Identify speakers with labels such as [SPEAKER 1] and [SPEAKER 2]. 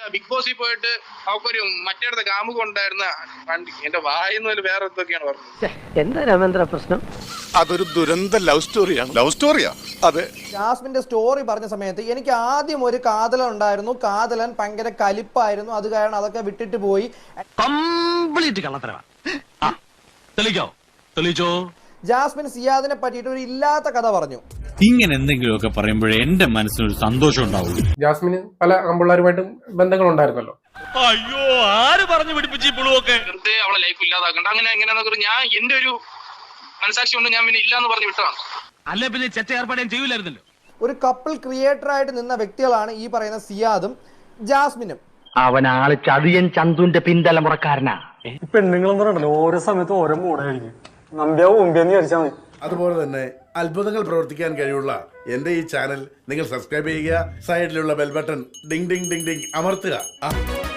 [SPEAKER 1] Big ബോസിൽ പോയിട്ട് അവക്കൊരു മറ്റേടത്തെ കാമുക ഉണ്ടായിരുന്ന എന്റെ വായിന്ന് വേറെ എന്തൊക്കെയാണ് പറഞ്ഞത്.
[SPEAKER 2] എന്താ രാമേന്ദ്ര പ്രശ്നം?
[SPEAKER 3] അതൊരു ദുരന്ത ലവ് സ്റ്റോറിയാണ്. ലവ് സ്റ്റോറിയാ? അതെ.
[SPEAKER 4] ജാസ്മിന്റെ സ്റ്റോറി പറഞ്ഞ സമയത്ത് എനിക്ക് ആദ്യം ഒരു കാതലൻ ഉണ്ടായിരുന്നു. കാതലൻ ഭയങ്കര കലിപ്പായിരുന്നു. അത് കാരണം അതൊക്കെ വിട്ടിട്ട് പോയി.
[SPEAKER 5] കംപ്ലീറ്റ് കള്ളത്തരവാ. തെളിയിച്ചോ.
[SPEAKER 4] ജാസ്മിൻ സിയാദിനെ പറ്റിയിട്ട് ഒരു ഇല്ലാത്ത കഥ പറഞ്ഞു.
[SPEAKER 6] ഇങ്ങനെ എന്തെങ്കിലുമൊക്കെ പറയുമ്പോഴേ എന്റെ മനസ്സിനൊരു സന്തോഷം ഉണ്ടാവുള്ളൂ.
[SPEAKER 7] ജാസ്മിന് പല ആൺപിള്ളേരുമായിട്ടും ബന്ധങ്ങൾ ഉണ്ടായിരുന്നല്ലോ.
[SPEAKER 5] അയ്യോ, ആര് പറഞ്ഞു പിടിപ്പിച്ചു പുളുവൊക്കെ?
[SPEAKER 1] വെറുതെ അവളെ ലൈഫ് ഇല്ലാതാക്കണ്ട, അങ്ങനെ എങ്ങനെയാണെന്നൊക്കെ ഞാൻ എന്റെ ഒരു മനസാക്ഷി കൊണ്ട് ഞാൻ പിന്നെ ഇല്ലാന്ന് പറഞ്ഞു വിട്ടതാണ്.
[SPEAKER 5] അല്ലെ പിന്നെ ചെറ്റ ഏർപ്പാടേം ചെയ്യൂലായിരുന്നല്ലോ.
[SPEAKER 4] ഒരു കപ്പിൾ ക്രിയേറ്റർ ആയിട്ട് നിന്ന വ്യക്തികളാണ് ഈ പറയുന്ന സിയാദും ജാസ്മിനും.
[SPEAKER 2] അവൻ ആള് ചതിയൻ ചന്തുന്റെ പിന്തലമുറക്കാരനാ.
[SPEAKER 8] പെണ്ണുങ്ങളെന്ന് പറഞ്ഞല്ലോ ഓരോ സമയത്ത് ഓരോ മൂടായിരിക്കും. നമ്പ്യാവും മുമ്പേന്ന് വിചാരിച്ചാൽ മതി.
[SPEAKER 9] അതുപോലെ തന്നെ അത്ഭുതങ്ങൾ പ്രവർത്തിക്കാൻ കഴിവുള്ള എന്റെ ഈ ചാനൽ നിങ്ങൾ സബ്സ്ക്രൈബ് ചെയ്യുക. സൈഡിലുള്ള bell button ding ding ding ding അമർത്തുക.